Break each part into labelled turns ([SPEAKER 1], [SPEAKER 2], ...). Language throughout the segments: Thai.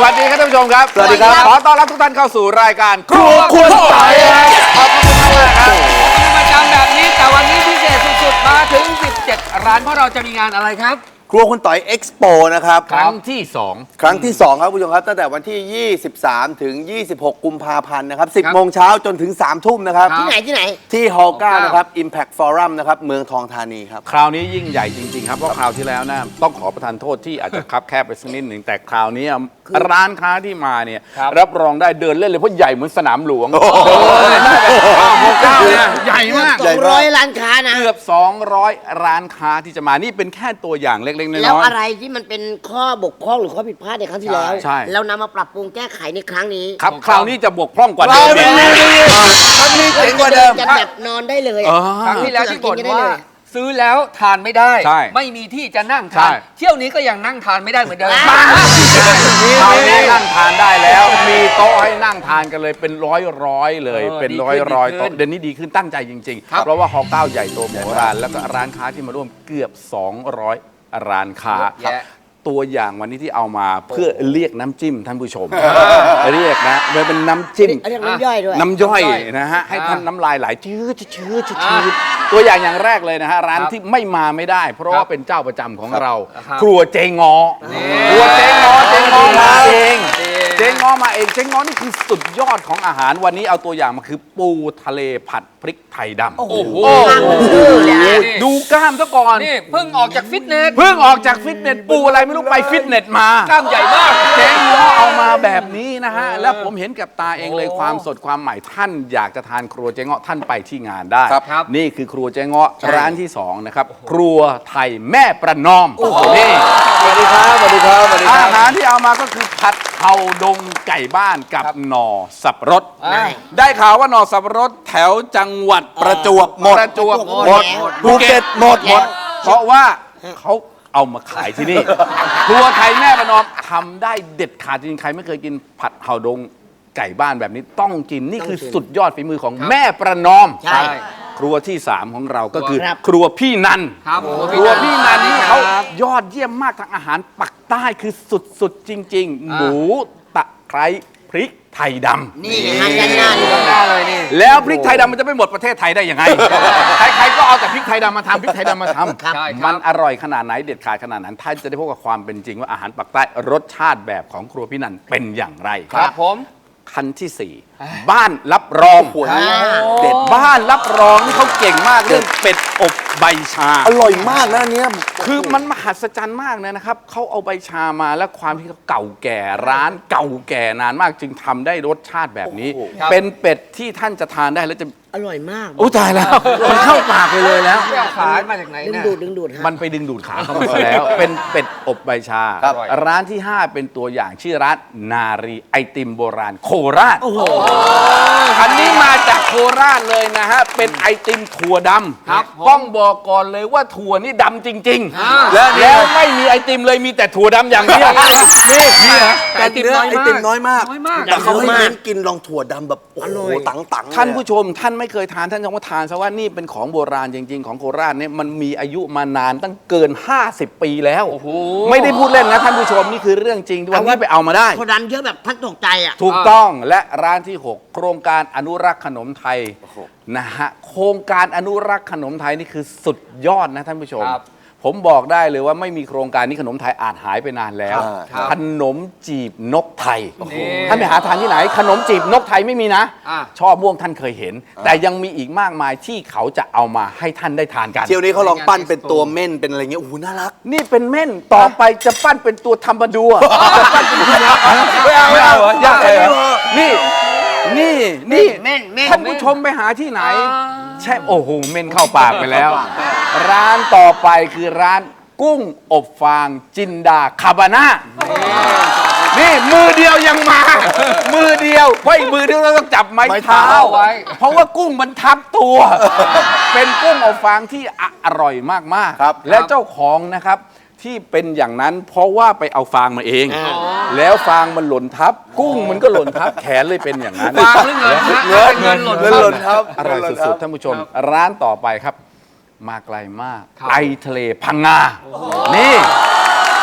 [SPEAKER 1] วัสดีครับท่านผู้ชมครับสวัสดีครับขอต้อนรับทุกท่านเข้าสู่รายการครัวคุณต่อยขอบคุณมากครับ
[SPEAKER 2] เป็นประจำแบบนี้แต่วันนี้พิเศษสุดๆมาถึง17ร้านเพราะเราจะมีงานอะไรครับ
[SPEAKER 3] ครัวคุณต่อยเอ็กซ์โปนะครับ
[SPEAKER 1] ครั้งที่2
[SPEAKER 3] ครั้งที่2ครับผู้ชมครับตั้งแต่วันที่ 23 ถึง 26 กุมภาพันธ์นะครับ 10 โมงเช้าจนถึง 3 ทุ่มนะครับ
[SPEAKER 2] ที่
[SPEAKER 4] ไหน
[SPEAKER 3] ที่ฮอลล์9นะครับ Impact Forum นะครับเมืองทองธานีครับ
[SPEAKER 1] คราวนี้ยิ่งใหญ่จริงๆครับเพราะคราวที่แล้วนะต้องขอประทานโทษที่อาจจะคับแคบไปสักนิดหนึ่งแต่คราวนี้ร้านค้าที่มาเนี่ยรับรองได้เดินเล่นเลยเพราะใหญ่เหมือนสนามหลวงฮอลล์9เนี่ยใหญ่มาก
[SPEAKER 4] 200ร้านค้านะ
[SPEAKER 1] เกือบ200ร้านค้าที่จะมานี่เป็นแค่ตัวอย่างเล็กๆน้อยๆ
[SPEAKER 4] แล้วอะไรที่มันเป็นข้อบกพร่องหรือข้อผิดพลาดในครั้งที่แล้ว
[SPEAKER 1] ใช่
[SPEAKER 4] เรานำมาปรับปรุงแก้ไขในครั้งนี้
[SPEAKER 1] ครับคราวนี้จะบกพร่องกว่าเดิม
[SPEAKER 3] มันมีเจ๋งกว่าเดิม
[SPEAKER 4] จะแบบนอนได้เลย
[SPEAKER 2] ครั้งที่แล้วที่บ่นว่าซื้อแล้วทานไม่ได้ไม่มีที่จะนั่งทานเที่ยวนี้ก็ยังนั่งทานไม่ได้เหมือนเดิม
[SPEAKER 1] คราวนี้นั่งทานได้แล้วมีโต๊ะให้นั่งทานกันเลยเป็นร้อยเลยเป็นร้อยโต๊ะเดี๋ยวนี้ดีขึ้นตั้งใจจริงๆเพราะว่าฮอลล์9ใหญ่โตมโหฬารแล้วก็ร้านค้าที่มาร่วมเกือบ200ร้านค้าตัวอย่างวันนี้ที่เอามาเพื่อเรียกน้ำจิ้มท่านผู้ชมเรียกนะมันเป็นน้ำจิ้ม
[SPEAKER 4] น้ำย่อยด้วย
[SPEAKER 1] น้ำย่อยนะฮะให้ท่านน้ำลายไหลชื้อตัวอย่างแรกเลยนะฮะร้านที่ไม่มาไม่ได้เพราะว่าเป็นเจ้าประจำของเราครัวเจงอครัวเจงอมาเองเจงอมาเองเจงอนี่คือสุดยอดของอาหารวันนี้เอาตัวอย่างมาคือปูทะเลผัดพริกไทยดำ
[SPEAKER 2] โอ้โห
[SPEAKER 1] ดูกล้ามซะก่อน
[SPEAKER 2] นี่เพิ่งออกจากฟิตเนส
[SPEAKER 1] ปูอะไรไม่รู้ไปฟิตเนสมาก
[SPEAKER 2] ล้ามใหญ่มาก
[SPEAKER 1] เจ๊งอเอามาแบบนี้นะฮะแล้วผมเห็นกับตาเองเลยความสดความใหม่ท่านอยากจะทานครัวเจ๊งอท่านไปที่งานได้นี่คือครัวเจ๊งอร้านที่2นะครับครัวไทยแม่ประนอมนี่
[SPEAKER 3] สวัสดีครับสวัสดีครับ
[SPEAKER 1] อาหารที่เอามาก็คือผัดเผาดงไก่บ้านกับหน่อสับปะรดได้ข่าวว่าหน่อสับปะรดแถวจังหวัด
[SPEAKER 3] ประจวบหมดภูเก็ตหมด
[SPEAKER 1] เพราะว่าเขาเอามาขายที่นี่ครัวไทยแม่ประนอมทำได้เด็ดขาดจริงใครไม่เคยกินผัดเผาดงไก่บ้านแบบนี้ต้องกินนี่คือสุดยอดฝีมือของแม่ประนอม
[SPEAKER 4] ใช่
[SPEAKER 1] ครัวที่3ของเราก็คือครัวพี่นันครัวพี่นันนี่เขายอดเยี่ยมมากทางอาหารปักใต้คือสุดจริงๆหมูตะไคร้พริกไทยดำ
[SPEAKER 4] นี่ทานกันหน้าเลยนี่
[SPEAKER 1] แล้วพริกไทยดำมันจะไม่หมดประเทศไทยได้ยังไงใครๆก็เอาแต่พริกไทยดำมาทำพริกไทยดำมาทำมันอร่อยขนาดไหนเด็ดขาดขนาดนั้นท่านจะได้พบกับความเป็นจริงว่าอาหารปักใต้รสชาติแบบของครัวพี่นันเป็นอย่างไร
[SPEAKER 2] ครับผม
[SPEAKER 1] ขั้นที่4บ้านรับรองเด็ดบ้านรับรองนี่เขาเก่งมากเรื่องเป็ดอบใบชา
[SPEAKER 3] อร่อยมากนะเนี่ย
[SPEAKER 1] คือมันมหัศจรรย์มากนะครับเขาเอาใบชามาแล้วความที่เขาเก่าแก่ร้านเก่าแก่นานมากจึงทำได้รสชาติแบบนี้เป็นเป็ดที่ท่านจะทานได้แล้วจะ
[SPEAKER 4] อร่อยมาก
[SPEAKER 1] ตายแล้วมันเข้าปากไปเลยแล้ว
[SPEAKER 2] ขายมาจากไหนเนี่ย
[SPEAKER 4] ดึงดูด
[SPEAKER 1] มันไปดึงดูดขาเข้ามาแล้วเป็นเป็ดอบใบชาร้านที่5เป็นตัวอย่างชื่อร้านนารีไอติมโบราณโคราชอันนี้มาจากโคราชเลยนะฮะเป็นไอติมถั่วดำต้องบอกก่อนเลยว่าถั่วนี่ดำจริงๆแล้วไม่มีไอติมเลยมีแต่ถั่วดำอย่างเดียวนี่ฮะ
[SPEAKER 3] ไอติมน้อยมากแต่เขาให้เน้นกินลองถั่วดำแบบโอ้โหตัง
[SPEAKER 1] ท่านผู้ชมท่านไม่เคยทานท่านต้องมาทานซะว่านี่เป็นของโบราณจริงๆของโคราชเนี่ยมันมีอายุมานานตั้งเกิน50 ปีแล้วไม่ได้พูดเล่นนะท่านผู้ชมนี่คือเรื่องจริงวันนี้ไปเอามาได้
[SPEAKER 4] คนดันเยอะแบบท่านตกใจอ่ะ
[SPEAKER 1] ถูกต้องและร้านที่6โครงการอนุรักษ์ขนมไทยนะฮะโครงการอนุรักษ์ขนมไทยนี่คือสุดยอดนะท่านผู้ชมผมบอกได้เลยว่าไม่มีโครงการนี้ขนมไทยอาจหายไปนานแล้วขนมจีบนกไทยท่านไปหาทานที่ไหนขนมจีบนกไทยไม่มีนะช่อม่วงท่านเคยเห็นแต่ยังมีอีกมากมายที่เขาจะเอามาให้ท่านได้ทานกัน
[SPEAKER 3] เที่ยวนี้เขาลองปั้นเป็นตัวเม่นเป็นอะไรเงี้ยโอ้โหน่ารัก
[SPEAKER 1] นี่เป็นเม่นต่อไปจะปั้นเป็นตัวทำบดัวจะปั้นเป็นตัวไม่เอาอยากนี่ท่านผู้ชมไปหาที่ไหนใช่โอ้โหเม่นเข้าปากไปแล้วร้านต่อไปคือร้านกุ้งอบฟางจินดาคาบาน่านี่มือเดียวยังมามือเดียวเพราะอีกมือเดียวเราต้องจับไม้เท้าไว้เพราะว่ากุ้งมันทับตัวเป็นกุ้งอบฟางที่อร่อยมากๆและเจ้าของนะครับที่เป็นอย่างนั้นเพราะว่าไปเอาฟางมาเองแล้วฟางมันหล่นทับกุ้งมันก็หล่นทับแขนเลยเป็นอย่างนั้น
[SPEAKER 2] ฟางหรือเงิน
[SPEAKER 3] หล่นทับ
[SPEAKER 1] อร่อยสุดๆท่านผู้ชมร้านต่อไปครับมาไกลมากไอทะเลพังงานี่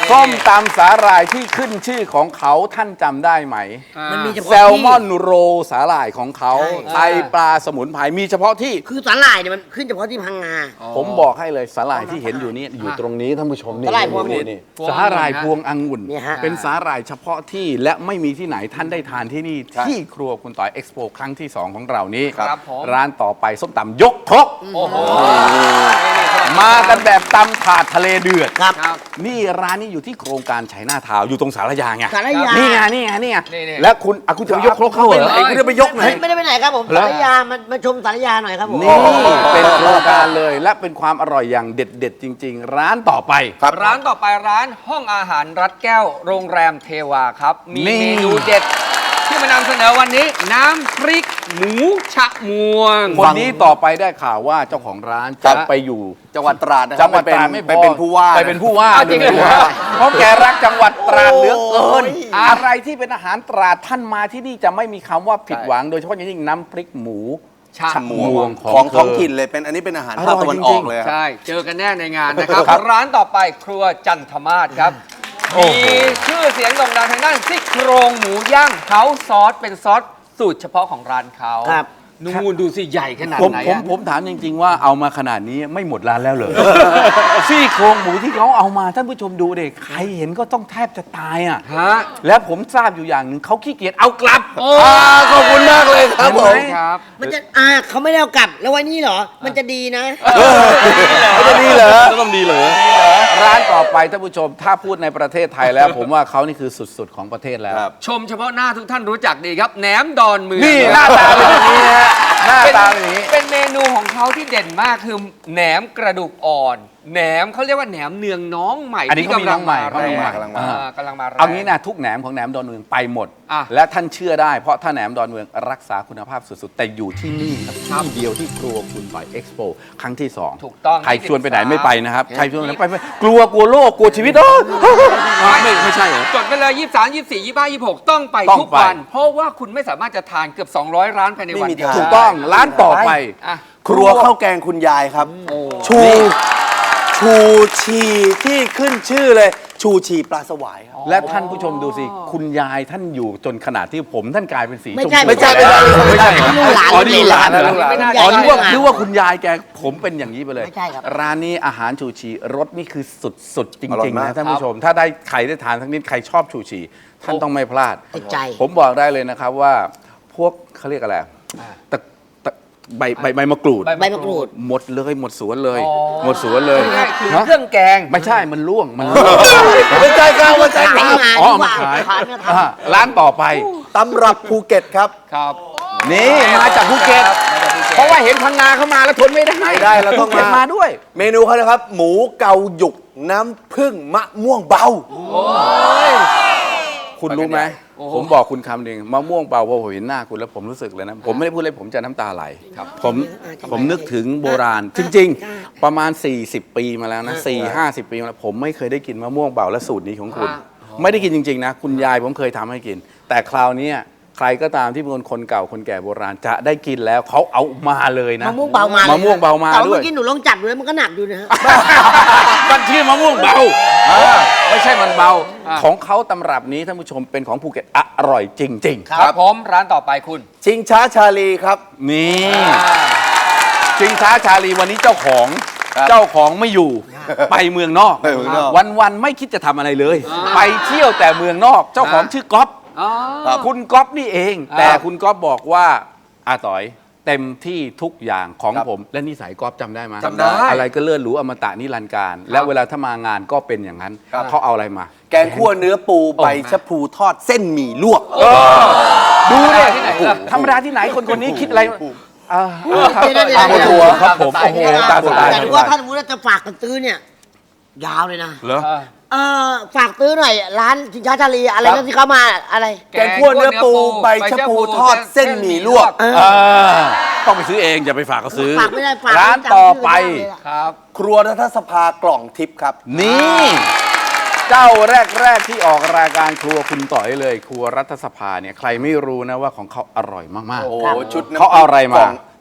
[SPEAKER 1] ส้มตำสาหร่ายที่ขึ้นชื่อของเขาท่านจำได้ไหม
[SPEAKER 4] มันมีเฉ
[SPEAKER 1] แซ
[SPEAKER 4] พาะ
[SPEAKER 1] ล
[SPEAKER 4] ที่
[SPEAKER 1] มอนโรสาหร่ายของเขา
[SPEAKER 4] ใช่
[SPEAKER 1] ไทยปลาสมุนไพรมีเฉพาะที่
[SPEAKER 4] คือสาหร่ายเนี่ยมันขึ้นเฉพาะที่พังงา
[SPEAKER 1] ผมบอกให้เลยสาหร่ายที่เห็นอยู่นี่อยู่ตรงนี้ท่านผู้ชมนี่
[SPEAKER 4] สาหร่ายพวงองุ่น
[SPEAKER 1] นี่สาหร่ายพวงองุ่น
[SPEAKER 4] เนี่ยฮะ
[SPEAKER 1] เป็นสาหร่ายเฉพาะที่และไม่มีที่ไหนท่านได้ทานที่นี่ที่ครัวคุณต่อยเอ็กซ์โปครั้งที่ 2 ของเรานี้
[SPEAKER 2] ครับผม
[SPEAKER 1] ร้านต่อไปส้มตำยกครก
[SPEAKER 2] โอ้โห
[SPEAKER 1] มากันแบบตำถาดทะเลเดือด
[SPEAKER 4] ครับ
[SPEAKER 2] ครับ
[SPEAKER 1] นี่ร้านนี้อยู่ที่โครงการชัยนาทาวน์อยู่ตรงสารยาไง
[SPEAKER 4] สารยา
[SPEAKER 1] นี่ไงนี่ไงนี่ไง
[SPEAKER 2] นี่
[SPEAKER 1] และคุณจะไปยกครกเข้าเหรอ
[SPEAKER 3] ไอ้คุณจะไปยกไหน
[SPEAKER 4] ไม่ได้ไปไหนครับผม
[SPEAKER 1] เหรอ
[SPEAKER 4] สารยามาชมสารยาหน่อยครับผม
[SPEAKER 1] นี่เป็นโครงการเลยและเป็นความอร่อยอย่างเด็ดๆจริง ๆ ร้านต่อไป
[SPEAKER 2] ร้านต่อไปร้านห้องอาหารรัดแก้วโรงแรมเทวาครับ มี
[SPEAKER 1] นี่
[SPEAKER 2] เมนูเด็ด ที่มานำเสนอวันนี้ น้ำพริกหมูชะมวง
[SPEAKER 1] คนนี้ต่อไปได้ข่าวว่าเจ้าของร้าน
[SPEAKER 3] ครั
[SPEAKER 1] จะ
[SPEAKER 3] บ
[SPEAKER 1] ไปอยู่
[SPEAKER 3] จังหวัดตราดนะครั
[SPEAKER 1] จังหวัดตราดไม่พอ
[SPEAKER 3] ไปเป็นผู้ว่า
[SPEAKER 1] ไปเป็นผู้ว่า
[SPEAKER 2] อ้าวจริงเหรอ
[SPEAKER 1] ด้วยเพราะแกรักจังหวัดตราดเหลือเกิน
[SPEAKER 3] โอ้ย
[SPEAKER 1] อะไรที่เป็นอาหารตราดท่านมาที่นี่จะไม่มีคำว่าผิดหวัง โดยเฉพาะอย่างยิ่งน้ำพริกหมู
[SPEAKER 2] ชะมวง
[SPEAKER 3] ของ
[SPEAKER 1] เธ
[SPEAKER 3] ท้องถิ่นเลยเป็นอันนี้เป็นอาหารภาคตะวันออกเลยครับ
[SPEAKER 2] ใช่ เจอกันแน่ในงานนะครับ
[SPEAKER 1] ครับ
[SPEAKER 2] ร้านต่อไปครัวจันทมาศครับ
[SPEAKER 1] โอ้
[SPEAKER 2] มี
[SPEAKER 1] โห
[SPEAKER 2] ชื่อเสียงโด่งดังทางด้านซี่โครงหมูย่างเฮาซอสเป็นซอสสูตรเฉพาะของร้านเขา
[SPEAKER 4] ครับ
[SPEAKER 2] นู่นดูสิใหญ่ขนาด
[SPEAKER 1] ผม
[SPEAKER 2] ไหน
[SPEAKER 1] ผม
[SPEAKER 2] อะ
[SPEAKER 1] ผมถามจริง ๆ ว่าเอามาขนาดนี้ไม่หมดร้านแล้วเหรอ ซี่โครงหมูที่เขาเอามาท่านผู้ชมดูเด็กใครเห็นก็ต้องแทบจะตายอ่ะ
[SPEAKER 2] ฮะ
[SPEAKER 1] และผมทราบอยู่อย่างหนึ่งเขาขี้เกียจเอากลับ
[SPEAKER 3] ขอบคุณมากเลยครับผม
[SPEAKER 1] เห็นไห
[SPEAKER 2] ครับ
[SPEAKER 4] มันจะเขาไม่ได้เอากลับ แล้วไว้นี่เหรอ มันจะดีนะ
[SPEAKER 3] ไม่ได้ดีเหรอ
[SPEAKER 1] ต้องดีเหรอร้านต่อไปท่านผู้ชมถ้าพูดในประเทศไทยแล้ว ผมว่าเขานี่คือสุดๆของประเทศแล้ว
[SPEAKER 3] ครับ
[SPEAKER 2] ชมเฉพาะหน้าทุกท่านรู้จักดีครับแหนมดอนเมือง
[SPEAKER 1] นี่หน้าตาเป็นอย่างนี้ฮะหน้าตาเป็นอย่างนี้
[SPEAKER 2] เป็นเมนูของเขาที่เด่นมากคือแหนมกระดูกอ่อน แหนมเขาเรียกว่าแหนมเนืองน้องใหม่
[SPEAKER 1] อันนี้
[SPEAKER 2] ที่
[SPEAKER 1] เขามีน้องใหม่
[SPEAKER 2] แรง
[SPEAKER 3] กำลังมา
[SPEAKER 2] กำลังมาแรง
[SPEAKER 1] เอางี้นะทุกแหนมของแหนมดอนเมืองไปหมด
[SPEAKER 2] อ่ะ
[SPEAKER 1] และท่านเชื่อได้เพราะถ้าแหนมดอนเมืองรักษาคุณภาพสุดๆ แต่อยู่ที่นี่ครับที่เดียวที่ครัวคุณต่อยเอ็กซ์โปครั้งที่ 2
[SPEAKER 2] ถูกต้อง
[SPEAKER 1] ใครชวนไปไหนไม่ไปนะครับใครชวนไปไหนไม่ไปกลัวโลกกลัวชีวิตไม่ใช่เหรอ
[SPEAKER 2] จดไปเลย23 24 25 26 ต้องไป
[SPEAKER 1] ต้อง
[SPEAKER 2] ทุก
[SPEAKER 1] ไป
[SPEAKER 2] วัน เพราะว่าคุณไม่สามารถจะทานเกือบ 200 ร้านภายในวัน
[SPEAKER 3] ไม่มี
[SPEAKER 2] เดียว
[SPEAKER 3] ทาง
[SPEAKER 1] ถูกต้องร้านต่อไป
[SPEAKER 2] อ่ะ
[SPEAKER 3] ครัวข้าวแกงคุณยายครับ ชูชีที่ขึ้นชื่อเลย ชูชีปลาสวายครับ
[SPEAKER 1] และท่านผู้ชมดูสิ คุณยายท่านอยู่จนขนาดที่ผมท่านกลายเป็นสี
[SPEAKER 4] ไม่
[SPEAKER 1] ชม
[SPEAKER 4] ใช่
[SPEAKER 1] พู
[SPEAKER 3] ไม่ใช่
[SPEAKER 1] ไม่ใช่
[SPEAKER 4] ลูกหลาน
[SPEAKER 1] อ๋อนี่หลานเหรอ
[SPEAKER 3] ลูกหลาน
[SPEAKER 1] อ๋อนึกว่า
[SPEAKER 4] คุณยาย
[SPEAKER 1] นึกว่าคุณยายแกผมเป็นอย่างนี้ไปเลย
[SPEAKER 4] ไม่ใช่ครับ
[SPEAKER 1] ร้านนี้อาหารชูชีรสนี่คือสุดๆจ
[SPEAKER 3] อร่อ
[SPEAKER 1] ริ
[SPEAKER 3] ย
[SPEAKER 1] งๆ
[SPEAKER 3] มาก
[SPEAKER 1] นะท่านผู้ชม ถ้าได้ใครได้ทานทั้งนี้ใครชอบชูชีท่านต้องไม่พลาด
[SPEAKER 4] ติดใจ
[SPEAKER 1] ผมบอกได้เลยนะครับว่าพวกเขาเรียกอะไรตะใบมะกรูด
[SPEAKER 4] ใบมะกรูด
[SPEAKER 1] หมดเลยหมดสวนเลย
[SPEAKER 2] อ๋อ
[SPEAKER 1] หมดสวนเลย
[SPEAKER 2] ง่ายๆคือ
[SPEAKER 1] ฮะ
[SPEAKER 2] เครื่องแกง
[SPEAKER 1] ไม่ใช่มันล่วงมันล่วง
[SPEAKER 3] ไม่ใช่ครับไม่ใช่ค
[SPEAKER 4] ขาย
[SPEAKER 3] รับ
[SPEAKER 4] มา
[SPEAKER 1] อ๋อ
[SPEAKER 4] ดีก
[SPEAKER 1] มา
[SPEAKER 4] ว่า
[SPEAKER 1] ขาย
[SPEAKER 4] ขายมาท
[SPEAKER 1] ร้านต่อไป
[SPEAKER 3] ตำรับภูเก็ตครับ
[SPEAKER 2] ครับ
[SPEAKER 1] นี่มาจากภูเก็ต
[SPEAKER 2] มาจากภูเก็ต
[SPEAKER 1] เพราะว่าเห็นพังงาเข้ามาแล้วทนไม่ได้
[SPEAKER 3] ไม่ได้เราต้องมา
[SPEAKER 1] ภูก็ตมาด้วย
[SPEAKER 3] เมนูเขานะครับ หมูเกาหยุกน้ำผึ้งมะม่วงเบา
[SPEAKER 1] คุณรู้ไหม
[SPEAKER 2] โอ้โห
[SPEAKER 1] ผมบอกคุณคำหนึ่งมะม่วงเบาพอผมเห็นหน้าคุณแล้วผมรู้สึกเลยนะ ผมไม่ได้พูดเลยผมจะน้ำตาไหลผมนึกถึงโบราณ จริง ๆ ประมาณ 40 ปีมาแล้วนะ40-50 ปีมาแล้วผมไม่เคยได้กินมะม่วงเบาและสูตรนี้ของคุณ ไม่ได้กินจริง ๆ นะ คุณยายผมเคยทำให้กิน แต่คราวนี้ใครก็ตามที่เป็นคนเก่าคนแก่โบราณจะได้กินแล้วเขาเอามาเลยนะ
[SPEAKER 4] มะม่วงเบามาม
[SPEAKER 1] ะม่วงเบามา
[SPEAKER 4] แต่ว่า
[SPEAKER 1] ด้ว
[SPEAKER 4] เมื่
[SPEAKER 1] ย
[SPEAKER 4] อกี้หนูลองจับดูแล้วมันก็หนักดูนะฮะ
[SPEAKER 1] มันชื่อมะม่วงเบาไม่ใช่มันเบา ของเขาตำรับนี้ท่านผู้ชมเป็นของภูเก็ตอร่อยจริง
[SPEAKER 2] ครับผมร้านต่อไปคุณ
[SPEAKER 3] ชิงช้าชาลีครับ
[SPEAKER 1] ๆ นี่ชิงช้าชาลีวันนี้เจ้าของไม่อยู่ ไปเมืองนอก
[SPEAKER 3] ไปเมืองนอก
[SPEAKER 1] วันๆไม่คิดจะทำอะไรเลย ไปเที่ยวแต่เมืองนอก เจ้าของชื่อก๊อฟ
[SPEAKER 2] อ๋อ
[SPEAKER 1] คุณก๊อฟนี่เอง
[SPEAKER 2] อ่า
[SPEAKER 1] แต่คุณก๊อฟบอกว่าอาต่อยเต็มที่ทุกอย่างของ
[SPEAKER 3] ครับ
[SPEAKER 1] ผม และนิสัยก๊อฟจำได้ไหม
[SPEAKER 3] จำได้
[SPEAKER 1] อะไรก็เลื่อนหรูอมตะนิรันดร์การ และเวลาถ้ามางานก็เป็นอย่างนั้น
[SPEAKER 3] ครับ
[SPEAKER 1] เขาเอาอะไรมา
[SPEAKER 3] แกงคั่วเนื้อปูใบชะพูทอดเส้นหมี่ลวก
[SPEAKER 1] ดูดิ
[SPEAKER 2] ที่ไหนล่ะ
[SPEAKER 1] ธรรมดาที่ไหนคนนี้คิดอะไรครับ
[SPEAKER 4] เดี๋ยวๆๆ
[SPEAKER 1] ตามตัวครับผม
[SPEAKER 2] ตาม
[SPEAKER 1] โอ้
[SPEAKER 2] ส
[SPEAKER 1] โห
[SPEAKER 2] ไตล์
[SPEAKER 1] ตามสไตล์
[SPEAKER 4] แต่ว่าถ้าสมมติว่าจะฝากกันซื้อเนี่ย ยาวเลยนะ
[SPEAKER 1] เหรอ
[SPEAKER 4] ฝากซื้อหน่อย ร้านสินค้าชาลีอะไรนั่นที่เขามาอะไร
[SPEAKER 3] แกงคั่วเนื้อปูใบชะพูทอดเส้นหมี่ลวก
[SPEAKER 1] ต้องไปซื้อเองอย่าไปฝากเขาซื้อ
[SPEAKER 4] ฝากไม่ได้ฝาก
[SPEAKER 1] ร้านต่อไป
[SPEAKER 2] ครับ
[SPEAKER 3] ครัวรัฐสภากล่องทิพย์ครับ
[SPEAKER 1] นี่ เจ้าแรกที่ออกรายการครัวคุณต่อยเลย ครัวรัฐสภาเนี่ยใครไม่รู้นะว่าของเขาอร่อยมาก
[SPEAKER 3] โอ้โหชุดน้ำ
[SPEAKER 1] เขาเอาอะไรมา
[SPEAKER 3] กล่ง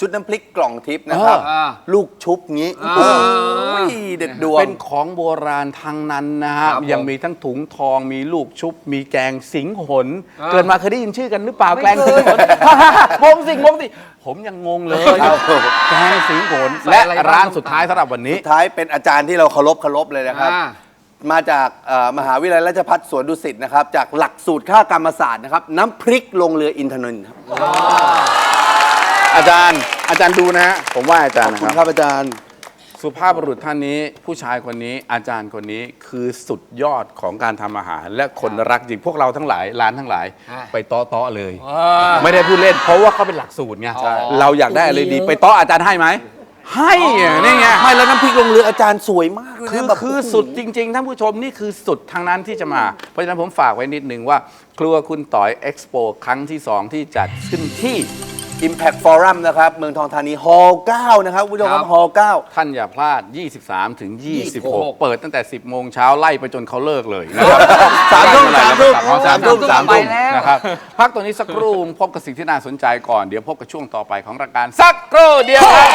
[SPEAKER 3] ชุดน้ำพริกกล่องทิพย์นะครับ ลูกชุบงี้โอ้ยเด็ดดวง
[SPEAKER 1] เป็นของโบราณทั้งนั้นนะฮะ
[SPEAKER 2] ครับผม
[SPEAKER 1] ยังมีทั้งถุงทองมีลูกชุบ มีแกงสิงหนเกิดมาเคยได้ยินชื่อกันหรือเปล่า
[SPEAKER 2] ไม่
[SPEAKER 1] แกง
[SPEAKER 2] เค
[SPEAKER 1] สิ
[SPEAKER 2] ย
[SPEAKER 1] งหนงงสิผมยังงงเลย
[SPEAKER 3] ครับ
[SPEAKER 1] แกงสิงหน
[SPEAKER 2] ใส่
[SPEAKER 1] และ
[SPEAKER 2] อะไรบ้าง
[SPEAKER 1] ร้านสุดท้ายสำหรับวันนี้
[SPEAKER 3] สุดท้ายเป็นอาจารย์ที่เราเคารพเลยนะครับ มาจากมหาวิทยาลัยราชภัฏสวนดุสิตนะครับ จากหลักสูตรข้ากรรมศาสตร์นะครับ น้ำพริกลงเรืออินทนนท์ครับ
[SPEAKER 1] อาจารย์ดูนะฮะผมว่าอาจารย์
[SPEAKER 3] ขอบ
[SPEAKER 1] นะ
[SPEAKER 3] คุณ
[SPEAKER 1] ครับ
[SPEAKER 3] ครับอาจารย์
[SPEAKER 1] สุภาพบุรุษท่านนี้ผู้ชายคนนี้อาจารย์คนนี้คือสุดยอดของการทำอาหาร และคนรักจริงพวกเราทั้งหลายร้านทั้งหลาย ไปเตาะเลย ไม่ได้พูดเล่นเพราะว่าเขาเป็นหลักสูตรไง
[SPEAKER 2] ใช่
[SPEAKER 1] เราอยากได้อะไรดีไปเตาะอาจารย์ให้ไหมให้อะนี่ไง
[SPEAKER 3] ไม่แล้วน้ำพริกลงเรืออาจารย์สวยมากเลยนะแบบ
[SPEAKER 1] คือสุดจริงๆท่านผู้ชมนี่คือสุดทางนั้นที่จะมา เพราะฉะนั้นผมฝากไว้นิดนึงว่า ครัวคุณต่อยเอ็กซ์โปครั้งที่ 2 ที่จัดขึ้นที่
[SPEAKER 3] Impact Forum นะครับ เมืองทองธานีฮอลล์9นะครับคุณผู้ชมครับฮอลล์9
[SPEAKER 1] ท่านอย่าพลาด 23 ถึง 26 เปิดตั้งแต่ 10 โมงเช้าไล่ไปจนเขาเลิกเลยนะครับ
[SPEAKER 3] 3 ทุ่ม
[SPEAKER 1] 3 ทุ่มนะครับ
[SPEAKER 2] แล้ว
[SPEAKER 1] พักตัวนี้สักครู่พบกับสิ่งที่น่าสนใจก่อน เดี๋ยวพบกับช่วงต่อไปของรายการสักครู่เดียวครับ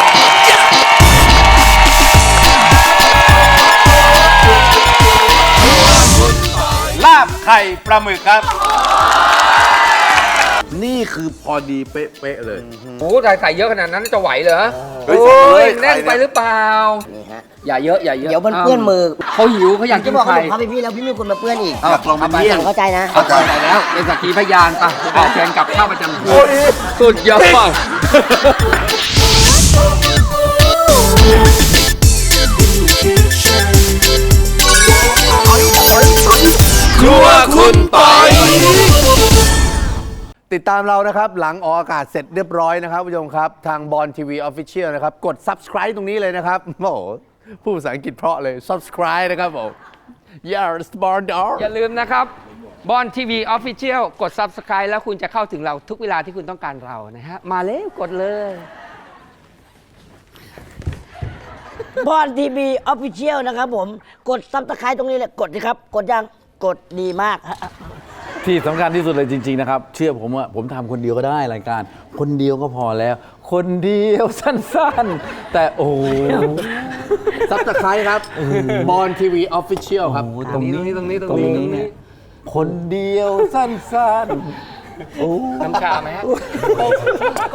[SPEAKER 1] ลาบไข่ปลาหมึกครับ นี่คือพอดีเป๊ะๆเลย
[SPEAKER 2] โอ้ใส่เยอะขนาดนั้นจะไหวเหรอ
[SPEAKER 3] เฮ้ย
[SPEAKER 2] โอ้ย
[SPEAKER 3] ใส่เลย
[SPEAKER 2] แน่นไปหรือเปล่า
[SPEAKER 4] นี่ฮะ
[SPEAKER 2] อย่าเยอะอย่าเยอะ
[SPEAKER 4] เดี๋ยวมันเปื้อนมือ
[SPEAKER 2] เขาหิวเขาอยากกิ
[SPEAKER 4] จะ
[SPEAKER 2] น
[SPEAKER 4] บอก
[SPEAKER 2] ไข่
[SPEAKER 4] ว่าผมเข้าไปพี่แล้วพี่มีคนมาเปื้อนอีก
[SPEAKER 3] อยากลองเป็นเมี่ยง
[SPEAKER 4] เข้าใจนะ
[SPEAKER 2] เข้าใจแล้วเป็นสักขีพยานป่ะออกแทนกับข้าวประจำที่สุดยอด
[SPEAKER 1] ครัวคุณปอย
[SPEAKER 3] ติดตามเรานะครับ หลังออกอากาศเสร็จเรียบร้อยนะครับผู้ชมครับ ทางบอลทีวีออฟฟิเชียลนะครับ กด subscribe ตรงนี้เลยนะครับ โอ้โหพูดภาษาอังกฤษเพราะเลย subscribe นะครับผม yes born dog
[SPEAKER 2] อย่าลืมนะครับบอลทีวีออฟฟิเชียลกด Subscribe แล้วคุณจะเข้าถึงเราทุกเวลาที่คุณต้องการเรานะฮะ มาเร็วกดเลย
[SPEAKER 4] บอลทีวีออฟฟิเชียลนะครับผม กดซับสไครต์ตรงนี้เลย กดสิครับ กดยัง กดดีมากฮะ
[SPEAKER 1] ที่สำคัญที่สุดเลยจริง ๆ นะครับ เชื่อผมว่าผมทำคนเดียวก็ได้รายการ คนเดียวก็พอแล้ว คนเดียวสั้นๆ แต่โอ้โห
[SPEAKER 3] subscribe ครับบอลทีวีออฟฟิเชียลครับ
[SPEAKER 2] ตรงนี้ตรงนี้
[SPEAKER 1] คนเดียวสั้นๆ
[SPEAKER 2] น้ำชาไหมฮะ